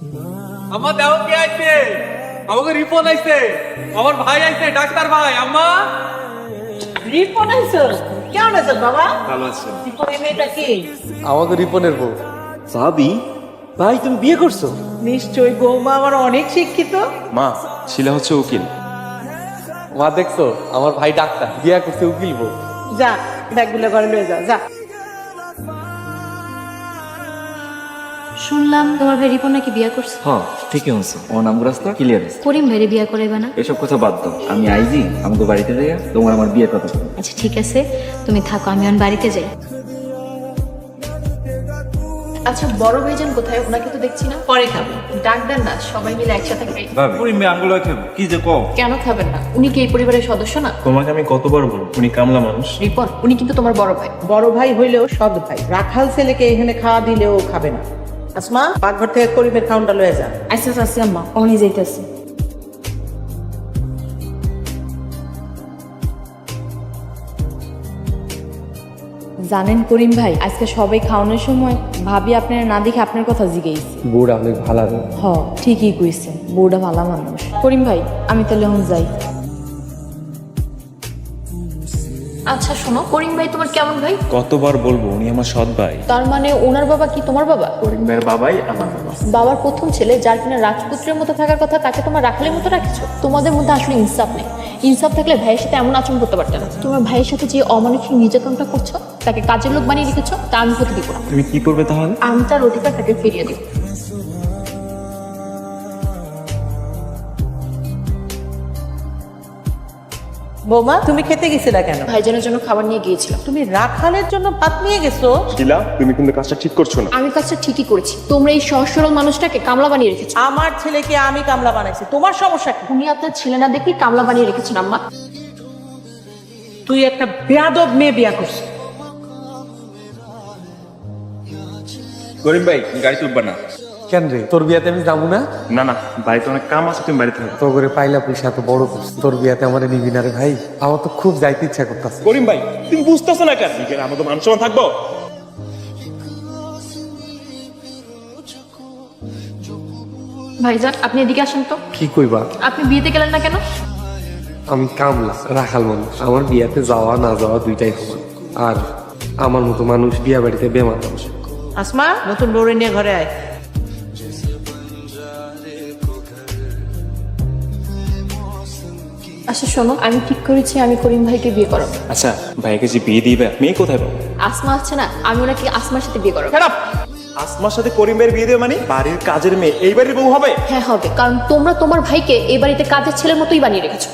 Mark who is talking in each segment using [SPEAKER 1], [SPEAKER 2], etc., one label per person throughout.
[SPEAKER 1] আম্মা দেও কে আইছে? আমাকে রিপন আইছে, আমার ভাই আইছে, ডাক্তার ভাই। আম্মা
[SPEAKER 2] রিপন আইছো? কেমন আছো বাবা?
[SPEAKER 1] ভালো আছে।
[SPEAKER 2] রিপন এই মেয়েটা কি?
[SPEAKER 1] আমাকে রিপনের বউ। ভাবি, ভাই তুমি বিয়ে করছো?
[SPEAKER 2] নিশ্চয়ই বৌমা আমার অনেক শিক্ষিত।
[SPEAKER 3] মা, শিলা হচ্ছে উকিল।
[SPEAKER 1] মা দেখছো, আমার ভাই ডাক্তার, বিয়ে করছে উকিল বউ।
[SPEAKER 2] যা ব্যাগগুলো ঘরে লয়ে যা যা।
[SPEAKER 4] শুনলাম তোমার ভাই রিপন নাকি বিয়ে করছে।
[SPEAKER 5] হ্যাঁ ঠিকই হচ্ছে, ওর নাম রাস্তা ক্লিয়ার আছে।
[SPEAKER 4] করিম ভাইরে বিয়ে করাইবে না?
[SPEAKER 5] এসব কথা বাদ দাও, আমি আইজি আমাকে বাড়িতে যাইয়া তোমার আমার বিয়ের কথা বলবো।
[SPEAKER 4] আচ্ছা ঠিক আছে, তুমি থাকো, আমি এখন বাড়িতে যাই। আচ্ছা বড় ভাইজান কোথায়? ওনাকে তো দেখছি না।
[SPEAKER 2] পরে খাবো।
[SPEAKER 4] ডাক দেন না, সবাই মিলে একসাথে খাই।
[SPEAKER 3] ভাবি মেয়ে আঙ্গুলো খাবো কি যে কও।
[SPEAKER 4] কেন খাবেন না? উনি কি এই পরিবারের সদস্য না?
[SPEAKER 3] তোমাকে আমি কতবার বলবো, উনি কামলা মানুষ।
[SPEAKER 4] রিপন উনি কিন্তু তোমার বড় ভাই।
[SPEAKER 2] বড় ভাই হইলেও সৎ ভাই। রাখাল ছেলেকে এখানে খাওয়া দিলেও খাবে না। আসমা পাকঘর থেকে করিমের খাউনটা লয়ে যা।
[SPEAKER 4] আচ্ছা আচ্ছা আম্মা, উনি যাইতেছে।
[SPEAKER 6] জানেন করিম ভাই, আজকে সবাই খাওয়ানোর সময় ভাবি আপনার না দেখে আপনার কথা জিজ্ঞেস।
[SPEAKER 1] বউটা অনেক ভালো।
[SPEAKER 6] হ ঠিকই কইছে, বউটা ভালো মানুষ। করিম ভাই আমি তাহলে এখন যাই।
[SPEAKER 4] আচ্ছা শোনো, করিম ভাই তোমার কেমন ভাই?
[SPEAKER 3] কতবার বলবো, উনি আমার সৎ ভাই।
[SPEAKER 4] তার মানে ওনার বাবা কি তোমার বাবা?
[SPEAKER 3] করিম ভাইয়ের বাবাই আমার বাবা।
[SPEAKER 4] বাবার প্রথম ছেলে, যার কিনা রাজপুত্রের মতো থাকার কথা, তাকে তোমার রাখালের মতো রাখছো। তোমাদের মধ্যে আসলে ইনসাফ নেই। ইনসাফ থাকলে ভাইয়ের সাথে এমন আচরণ করতে পারতে না। তোমার ভাইয়ের সাথে যে অমানসিক নির্যাতনটা করছো, তাকে কাজের লোক বানিয়ে রেখেছো, তা আমি হতে দিব না।
[SPEAKER 3] তুমি কি করবে তাহলে?
[SPEAKER 4] আমি তার অধিকার তাকে ফিরিয়ে দিব।
[SPEAKER 2] বৌমা তুমি খেতে গেছিলা কেন?
[SPEAKER 4] ভাইজানের জন্য খাবার নিয়ে গিয়েছিলাম।
[SPEAKER 2] তুমি রাখালের জন্য ভাত নিয়ে গেছো?
[SPEAKER 3] শিলা তুমি কিন্তু কাজটা ঠিক করছো না।
[SPEAKER 4] আমি কাজটা ঠিকই করেছি। তোমরা এই সহজ সরল মানুষটাকে কামলা বানিয়ে রেখেছো।
[SPEAKER 2] আমার ছেলেকে আমি কামলা বানাইছি, তোমার সমস্যা কি?
[SPEAKER 4] উনি আপনার ছেলে না দেখেই কামলা বানিয়ে রেখেছেন আম্মা।
[SPEAKER 2] তুই একটা বেয়াদব মেয়ে বিয়া করছিস।
[SPEAKER 3] করিম ভাই গাড়ি তুলবা না।
[SPEAKER 1] কেন রে, তোর বিয়াতে আমি যাবো না?
[SPEAKER 3] না না, বাড়িতে অনেক কাম আছে, তুমি বাড়িতে থাকো।
[SPEAKER 1] তো করে পাইলা পয়সা এত বড় করছিস, তোর বিয়াতে আমার নিবি না রে ভাই? আমার তো খুব যাইতে ইচ্ছা করতেছে।
[SPEAKER 3] করিম ভাই তুমি বুঝতেছো না কেন? আমাদের মান সম্মান থাকবো।
[SPEAKER 4] ভাইজান আপনি এদিকে আসেন তো।
[SPEAKER 1] কি কইবা?
[SPEAKER 4] আপনি বিয়েতে গেলেন না কেন?
[SPEAKER 1] আমি কামলা রাখাল মানুষ, আমার বিয়াতে যাওয়া না যাওয়া দুইটাই সমান। আর আমার মতো মানুষ বিয়া বাড়িতে বেমার মানুষ।
[SPEAKER 2] আসমা নতুন বউরে নিয়ে ঘরে আয়।
[SPEAKER 4] আচ্ছা শোনো, আমি ঠিক করেছি আমি করিম ভাইকে বিয়ে করাবো।
[SPEAKER 3] আচ্ছা ভাইকে যে বিয়ে দিবে, মেয়ে কোথায় পাবো?
[SPEAKER 4] আসমা আছে না, আমি ওনাকে আসমার সাথে বিয়ে করাবো।
[SPEAKER 3] আসমার সাথে করিম ভাইয়ের বিয়ে দেবে মানে? বাড়ির কাজের মেয়ে এই বাড়ির বউ হবে?
[SPEAKER 4] হ্যাঁ হবে, কারণ তোমরা তোমার ভাইকে এই বাড়িতে কাজের ছেলের মতোই বানিয়ে রেখেছো।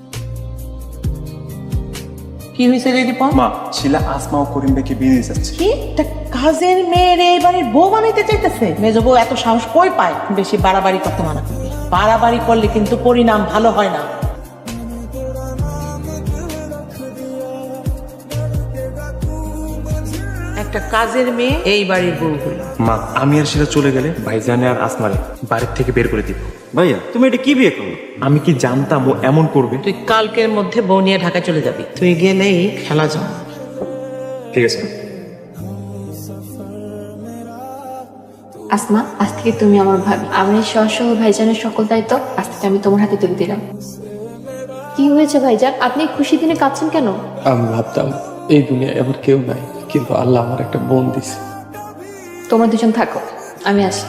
[SPEAKER 2] কি হয়েছে রে দীপন?
[SPEAKER 3] মা, শিলা আসমা ও করিম ভাইকে বিয়ে দিয়ে যাচ্ছে।
[SPEAKER 2] কি একটা কাজের মেয়ের এই বাড়ির বউ বানাইতে চাইতেছে? মেজ বউ এত সাহস কই পায়? বেশি বাড়াবাড়ি করতে মানা করবি। বাড়াবাড়ি করলে কিন্তু পরিণাম ভালো হয় না। একটা কাজের মেয়ে এই বাড়ির বউ হলো।
[SPEAKER 3] মা, আমি আর শিলা চলে গেলে ভাইজানে আর আসমারে বাড়ির থেকে বের করে দিব।
[SPEAKER 5] ভাইয়া তুমি এটা কি বিয়ে করলো?
[SPEAKER 3] আমি কি জানতাম ও এমন করবে?
[SPEAKER 2] তুই কালকের মধ্যে বউ নিয়ে ঢাকা চলে যাবি। তুই গেলেই খেলা যাও।
[SPEAKER 3] ঠিক আছে।
[SPEAKER 4] আসমা আজ থেকে তুমি আমার ভাবি। আমি সহ ভাইজানের সকল দায়িত্ব আজ থেকে আমি তোমার হাতে তুলে দিলাম। কি হয়েছে ভাইজান, আপনি খুশি দিনে কাঁদছেন কেন?
[SPEAKER 1] আমি ভাবতাম এই দুনিয়ায় আমার কেউ নাই, কিন্তু আল্লাহ আমার একটা বোন দিছে।
[SPEAKER 4] তোমরা দুজন থাকো, আমি আসি।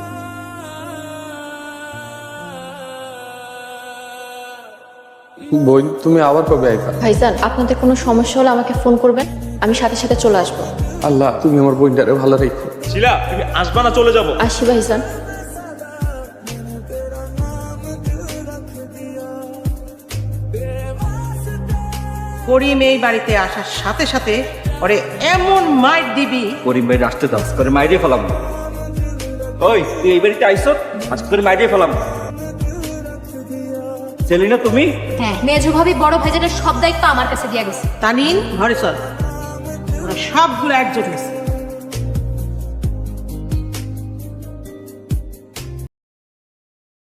[SPEAKER 1] বোন তুমি আবার কবে আইবা?
[SPEAKER 4] ভাইজান আপনাদের কোনো সমস্যা হলে আমাকে ফোন করবেন, আমি সাথে সাথে চলে আসবো।
[SPEAKER 1] আল্লাহ তুমি আমার বোনটারে ভালো রেখো।
[SPEAKER 3] শিলা তুমি আসবা না, চলে যাবো।
[SPEAKER 4] আসি ভাইজান।
[SPEAKER 2] করিম এই বাড়িতে আসার সাথে সাথে ওরে এমন মাইর দিবি।
[SPEAKER 5] করিম ভাই আসতে দাও, করে মাইরিয়ে ফেলাম। ওই তুই এই বাড়িতে আইসো, আজ করে মাইরিয়ে ফেলাম। সেলিনা তুমি?
[SPEAKER 4] হ্যাঁ, মেজো ভাবি বড় ভাইজানের সব দায়িত্ব আমার কাছে দিয়ে গেছে।
[SPEAKER 2] তানিন ঘরে চল, ওরা সবগুলো একজোট হয়েছে।